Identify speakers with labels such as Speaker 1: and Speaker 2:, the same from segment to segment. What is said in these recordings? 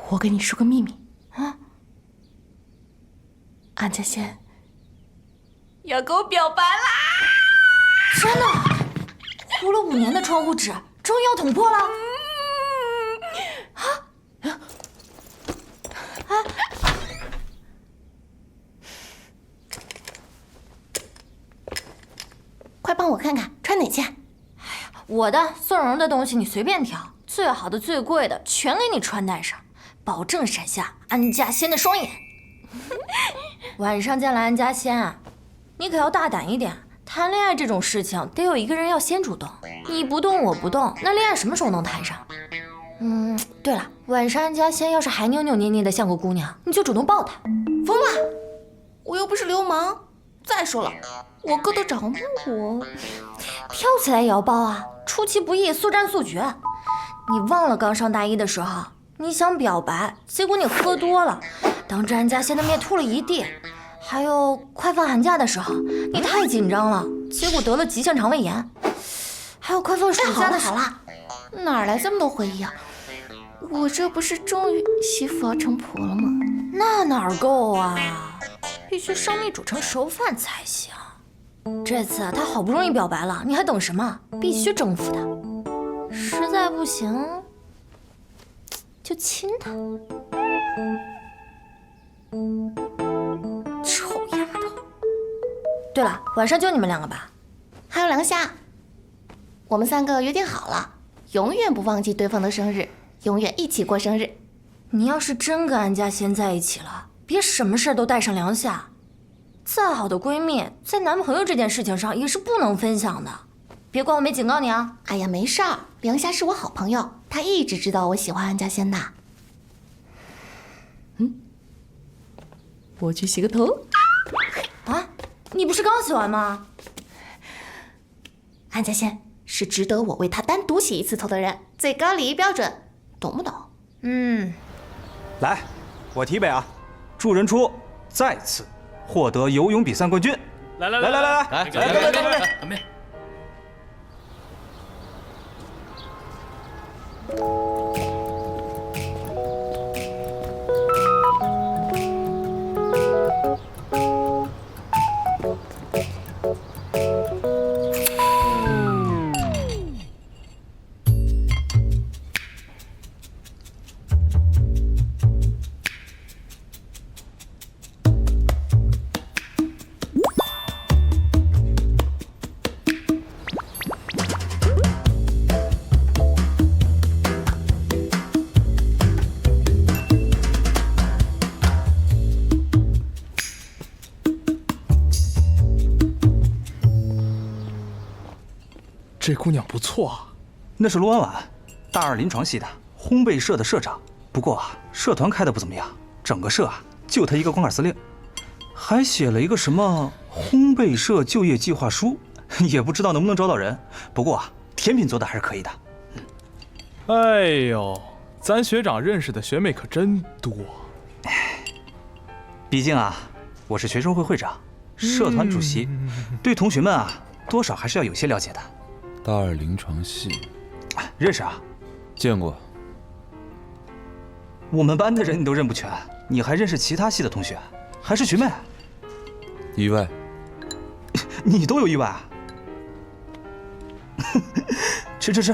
Speaker 1: 我跟你说个秘密啊，安家仙要给我表白啦！
Speaker 2: 真的？糊了5年的窗户纸，终于要捅破了！
Speaker 1: 快帮我看看穿哪件？
Speaker 2: 我的宋蓉的东西你随便挑，最好的、最贵的全给你穿戴上，保证闪下安家仙的双眼。晚上见了安家仙啊，你可要大胆一点。谈恋爱这种事情，得有一个人要先主动，你不动我不动，那恋爱什么时候能谈上？对了，晚上安家仙要是还扭扭捏捏的像个姑娘，你就主动抱她。
Speaker 1: 疯了！我又不是流氓。再说了，我哥都找那我，
Speaker 2: 跳起来也要抱啊！出其不意，速战速决。你忘了刚上大一的时候，你想表白，结果你喝多了，当着安家仙的面吐了一地。还有快放寒假的时候，你太紧张了，结果得了急性肠胃炎。还有快放暑假的时候，
Speaker 1: 好了，哪来这么多回忆啊？我这不是终于媳妇要成婆了吗？
Speaker 2: 那哪够啊？必须生米煮成熟饭才行。这次他好不容易表白了，你还等什么？必须征服他。实在不行，就亲他。臭丫头！对了，晚上就你们2个吧？
Speaker 1: 还有梁夏，我们3个约定好了，永远不忘记对方的生日，永远一起过生日。
Speaker 2: 你要是真跟安家仙在一起了，别什么事都带上梁夏。再好的闺蜜，在男朋友这件事情上也是不能分享的。别怪我没警告你啊！
Speaker 1: 哎呀，没事儿，梁夏是我好朋友，她一直知道我喜欢安家仙的。我去洗个头。
Speaker 2: 啊，你不是刚洗完吗？
Speaker 1: 安家仙是值得我为她单独洗一次头的人，最高礼仪标准，懂不懂？
Speaker 3: 来，我提北啊，祝人初再次获得游泳比赛冠军！来，
Speaker 4: 干杯！
Speaker 5: 这姑娘不错啊。
Speaker 3: 那是陆婉婉，大2临床系的烘焙社的社长。不过啊，社团开的不怎么样，整个社啊就她一个光杆司令，还写了一个什么烘焙社就业计划书，也不知道能不能招到人。不过啊，甜品做的还是可以的。
Speaker 5: 哎呦，咱学长认识的学妹可真多。
Speaker 3: 毕竟啊，我是学生会会长，社团主席，对同学们啊，多少还是要有些了解的。
Speaker 6: 大2临床系，
Speaker 3: 认识啊？
Speaker 6: 见过。
Speaker 3: 我们班的人你都认不全，你还认识其他系的同学，还是学妹？
Speaker 6: 意外？
Speaker 3: 你都有意外啊？吃。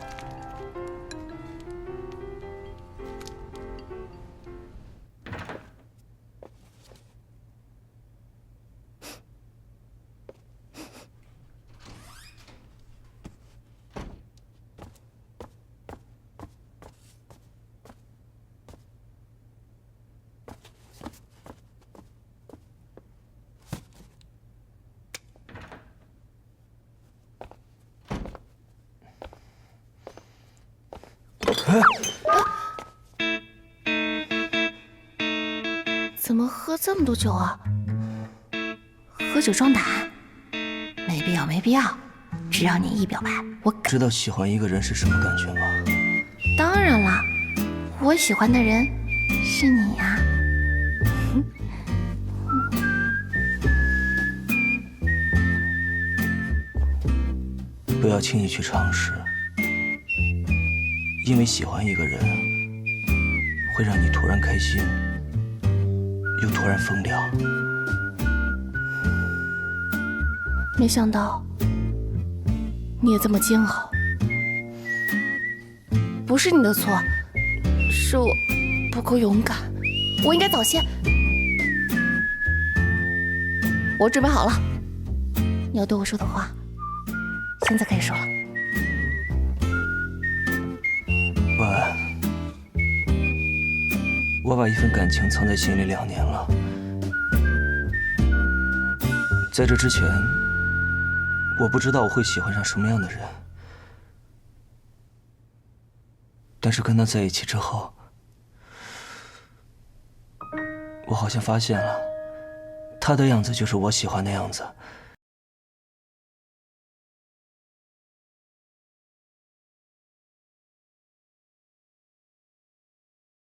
Speaker 1: 怎么喝这么多酒啊？喝酒壮胆？没必要。只要你一表白，我
Speaker 7: 知道喜欢一个人是什么感觉吗？
Speaker 1: 当然啦，我喜欢的人是你呀。
Speaker 7: 不要轻易去尝试，因为喜欢一个人会让你突然开心，又突然疯掉。
Speaker 1: 没想到你也这么煎熬。不是你的错，是我不够勇敢，我应该早些。我准备好了，你要对我说的话，现在可以说了。
Speaker 7: 晚安。我把一份感情藏在心里2年了，在这之前，我不知道我会喜欢上什么样的人，但是跟他在一起之后，我好像发现了，他的样子就是我喜欢的样子。